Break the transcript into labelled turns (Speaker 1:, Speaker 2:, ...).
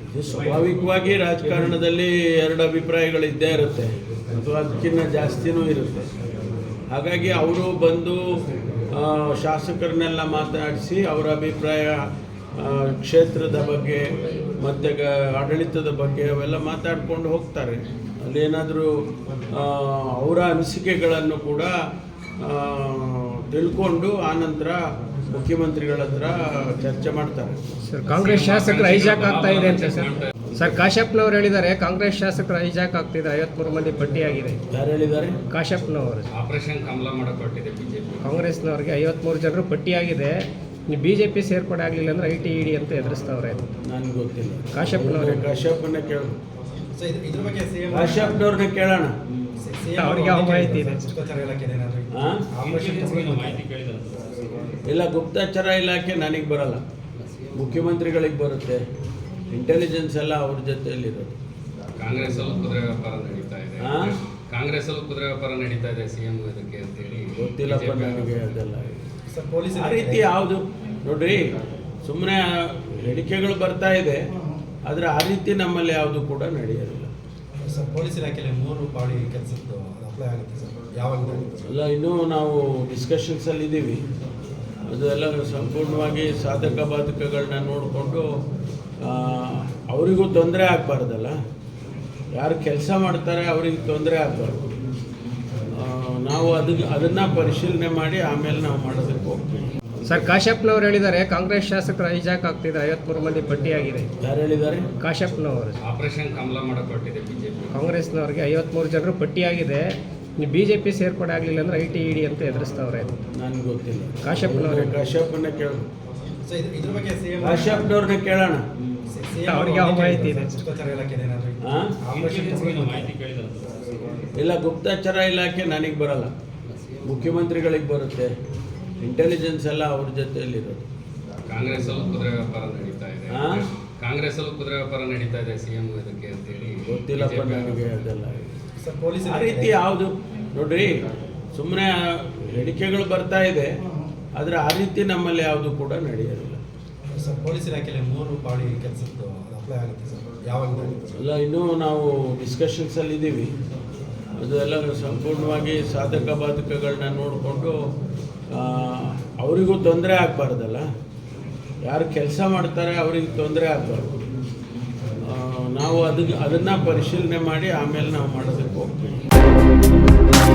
Speaker 1: ಇದು ಸ್ವಾಭಾವಿಕವಾಗಿ ರಾಜಕಾರಣದಲ್ಲಿ ಎರಡು ಅಭಿಪ್ರಾಯಗಳು ಇದ್ದೇ ಇರುತ್ತೆ ಅಥವಾ ಅದಕ್ಕಿಂತ ಜಾಸ್ತಿನೂ ಇರುತ್ತೆ. ಹಾಗಾಗಿ ಅವರು ಬಂದು ಶಾಸಕರನ್ನೆಲ್ಲ ಮಾತಾಡಿಸಿ ಅವರ ಅಭಿಪ್ರಾಯ ಕ್ಷೇತ್ರದ ಬಗ್ಗೆ ಮತ್ತು ಆಡಳಿತದ ಬಗ್ಗೆ ಅವೆಲ್ಲ ಮಾತಾಡ್ಕೊಂಡು ಹೋಗ್ತಾರೆ. ಅಲ್ಲೇನಾದರೂ ಅವರ ಅನಿಸಿಕೆಗಳನ್ನು ಕೂಡ ತಿಳ್ಕೊಂಡು ಆನಂತರ ಮುಖ್ಯಮಂತ್ರಿಗಳ ಹತ್ರ ಚರ್ಚೆ ಮಾಡ್ತಾರೆ.
Speaker 2: ಸರ್, ಕಾಂಗ್ರೆಸ್ ಶಾಸಕರು ಹೈಜಾಕ್ ಆಗ್ತಾ ಇದೆ ಅಂತ ಸರ್ ಕಾಶ್ಯಪ್ನವರು ಹೇಳಿದ್ದಾರೆ. ಕಾಂಗ್ರೆಸ್ ಶಾಸಕರು ಹೈಜಾಕ್ ಆಗ್ತಿದ್ದಾರೆ, 53 ಮಂದಿ ಪಟ್ಟಿಯಾಗಿದೆ.
Speaker 1: ಯಾರು ಹೇಳಿದ್ದಾರೆ?
Speaker 2: ಕಾಶ್ಯಪ್ನವರು.
Speaker 3: ಆಪರೇಷನ್ ಕಮಲ ಮಾಡಕ್ಕೆ ಹೊರಟಿದೆ ಬಿಜೆಪಿ.
Speaker 2: ಕಾಂಗ್ರೆಸ್ನವರಿಗೆ 53 ಜನರು ಪಟ್ಟಿಯಾಗಿದೆ. ನೀವು ಬಿಜೆಪಿ ಸೇರ್ಪಡೆ ಆಗಲಿಲ್ಲ ಅಂದ್ರೆ ಐಟಿ ಇಡಿ ಅಂತ ಎದುರಿಸ್ತವ್ರೆ.
Speaker 1: ನನಗೆ ಗೊತ್ತಿಲ್ಲ.
Speaker 2: ಕಾಶ್ಯಪ್ನವ್ರೆ.
Speaker 1: ಕಾಶ್ಯಪ್ನ ಕೇಳ ಕಾಶ್ಯಪ್ನವ್ರನ್ನ ಕೇಳೋಣ,
Speaker 2: ಅವ್ರಿಗೆ ಯಾವ ಮಾಹಿತಿ ಇದೆ?
Speaker 1: ಇಲ್ಲ, ಗುಪ್ತಚರ ಇಲಾಖೆ ನನಗೆ ಬರಲ್ಲ, ಮುಖ್ಯಮಂತ್ರಿಗಳಿಗೆ ಬರುತ್ತೆ. ಇಂಟೆಲಿಜೆನ್ಸ್ ಎಲ್ಲ ಅವ್ರ ಜೊತೆಯಲ್ಲಿರೋದು.
Speaker 3: ಕಾಂಗ್ರೆಸ್ ಅಲ್ಲೂ ಕುದುರೆ ವ್ಯಾಪಾರ ನಡೀತಾ ಇದೆ. ಕಾಂಗ್ರೆಸ್ ಅಲ್ಲೂ ಕುದುರೆ ವ್ಯಾಪಾರ ನಡೀತಾ ಇದೆ ಸಿಎಂ ಇದಕ್ಕೆ ಅಂತೇಳಿ.
Speaker 1: ಗೊತ್ತಿಲ್ಲಪ್ಪ ನನಗೆ ಅದೆಲ್ಲ. ಆ ರೀತಿ ಯಾವುದು ನೋಡ್ರಿ, ಸುಮ್ಮನೆ ಹೇಳಿಕೆಗಳು ಬರ್ತಾ ಇದೆ, ಆದರೆ ಆ ರೀತಿ ನಮ್ಮಲ್ಲಿ ಯಾವುದು ಕೂಡ ನಡೆಯೋದಿಲ್ಲ.
Speaker 4: ಸರ್, ಪೊಲೀಸ್ ಇಲಾಖೆಯಲ್ಲಿ 3 ಬಾಡಿ ಕೆಲಸದ್ದು ಅಪ್ಲೈ ಆಗುತ್ತೆ ಸರ್, ಯಾವಾಗ?
Speaker 1: ಅಲ್ಲ, ಇನ್ನೂ ನಾವು ಡಿಸ್ಕಷನ್ಸಲ್ಲಿ ಇದ್ದೀವಿ. ಅದೆಲ್ಲ ಸಂಪೂರ್ಣವಾಗಿ ಸಾಧಕ ಬಾಧಕಗಳನ್ನ ನೋಡಿಕೊಂಡು ಅವರಿಗೂ ತೊಂದರೆ ಆಗಬಾರ್ದಲ್ಲ. ಯಾರು ಕೆಲಸ ಮಾಡ್ತಾರೆ ಅವರಿಗೆ ತೊಂದರೆ ಆಗಬಾರ್ದು. ನಾವು ಅದನ್ನು ಪರಿಶೀಲನೆ ಮಾಡಿ ಆಮೇಲೆ ನಾವು ಮಾಡೋದಕ್ಕೆ ಹೋಗ್ತೀವಿ.
Speaker 2: ಸರ್, ಕಾಶ್ಯಪ್ನವರು ಹೇಳಿದ್ದಾರೆ. ಕಾಂಗ್ರೆಸ್ ಶಾಸಕರು ಹೈಜಾಕ್ ಆಗ್ತಿದ್ದಾರೆ, 53 ಮಂದಿ ಪಟ್ಟಿಯಾಗಿದೆ.
Speaker 1: ಯಾರು ಹೇಳಿದ್ದಾರೆ?
Speaker 2: ಕಾಶ್ಯಪ್ನವರು.
Speaker 3: ಆಪರೇಷನ್ ಕಮಲ ಮಾಡಕ್ಕೆ ಹೊರಟಿದೆ ಬಿಜೆಪಿ.
Speaker 2: ಕಾಂಗ್ರೆಸ್ನವರಿಗೆ 53 ಜನರು ಪಟ್ಟಿಯಾಗಿದೆ. ನೀವು ಬಿಜೆಪಿ ಸೇರ್ಪಡೆ ಆಗಲಿಲ್ಲ ಅಂದ್ರೆ ಐಟಿ ಇಡಿ ಅಂತ ಎದುರಿಸ್ತವ್ರೆ.
Speaker 1: ನನಗೆ ಗೊತ್ತಿಲ್ಲ.
Speaker 2: ಕಾಶ್ಯಪ್ನವ್ರೆ.
Speaker 1: ಕಾಶ್ಯಪ್ನ ಕೇಳ
Speaker 4: ಇದ್ರ ಬಗ್ಗೆ
Speaker 1: ಕಾಶ್ಯಪ್ನವ್ರನ್ನ ಕೇಳೋಣ,
Speaker 2: ಅವ್ರಿಗೆ ಯಾವ ಮಾಹಿತಿ ಇದೆ?
Speaker 1: ಇಲ್ಲ, ಗುಪ್ತಚರ ಇಲಾಖೆ ನನಗೆ ಬರಲ್ಲ, ಮುಖ್ಯಮಂತ್ರಿಗಳಿಗೆ ಬರುತ್ತೆ. ಇಂಟೆಲಿಜೆನ್ಸ್ ಎಲ್ಲ ಅವ್ರ ಜೊತೆಯಲ್ಲಿರೋದು.
Speaker 3: ಕಾಂಗ್ರೆಸ್ ಅಲ್ಲೂ ಕುದುರೆ ವ್ಯಾಪಾರ ನಡೀತಾ ಇದೆ. ಕಾಂಗ್ರೆಸ್ ಅಲ್ಲೂ ಕುದುರೆ ವ್ಯಾಪಾರ ನಡೀತಾ ಇದೆ ಸಿಎಂ ಇದಕ್ಕೆ ಅಂತೇಳಿ.
Speaker 1: ಗೊತ್ತಿಲ್ಲಪ್ಪ ನನಗೆ ಅದೆಲ್ಲ.
Speaker 4: ಸರ್, ಪೊಲೀಸ್
Speaker 1: ಆ ರೀತಿ ಯಾವುದು ನೋಡ್ರಿ, ಸುಮ್ಮನೆ ಹೇಳಿಕೆಗಳು ಬರ್ತಾ ಇದೆ, ಆದರೆ ಆ ರೀತಿ ನಮ್ಮಲ್ಲಿ ಯಾವುದು ಕೂಡ ನಡೆಯೋದಿಲ್ಲ.
Speaker 4: ಸರ್, ಪೊಲೀಸ್ ಇಲಾಖೆಯಲ್ಲಿ 3 ಬಾಡಿ ಕೆಲಸದ್ದು ಅಪ್ಲೈ ಆಗುತ್ತೆ ಸರ್, ಯಾವಾಗ?
Speaker 1: ಅಲ್ಲ, ಇನ್ನೂ ನಾವು ಡಿಸ್ಕಷನ್ಸಲ್ಲಿ ಇದ್ದೀವಿ. ಅದೆಲ್ಲ ಸಂಪೂರ್ಣವಾಗಿ ಸಾಧಕ ಬಾಧಕಗಳನ್ನ ನೋಡಿಕೊಂಡು ಅವರಿಗೂ ತೊಂದರೆ ಆಗಬಾರ್ದಲ್ಲ. ಯಾರು ಕೆಲಸ ಮಾಡ್ತಾರೆ ಅವರಿಗೆ ತೊಂದರೆ ಆಗಬಾರ್ದು. ನಾವು ಅದನ್ನು ಪರಿಶೀಲನೆ ಮಾಡಿ ಆಮೇಲೆ ನಾವು ಮಾಡೋದಕ್ಕೆ ಹೋಗ್ತೀವಿ.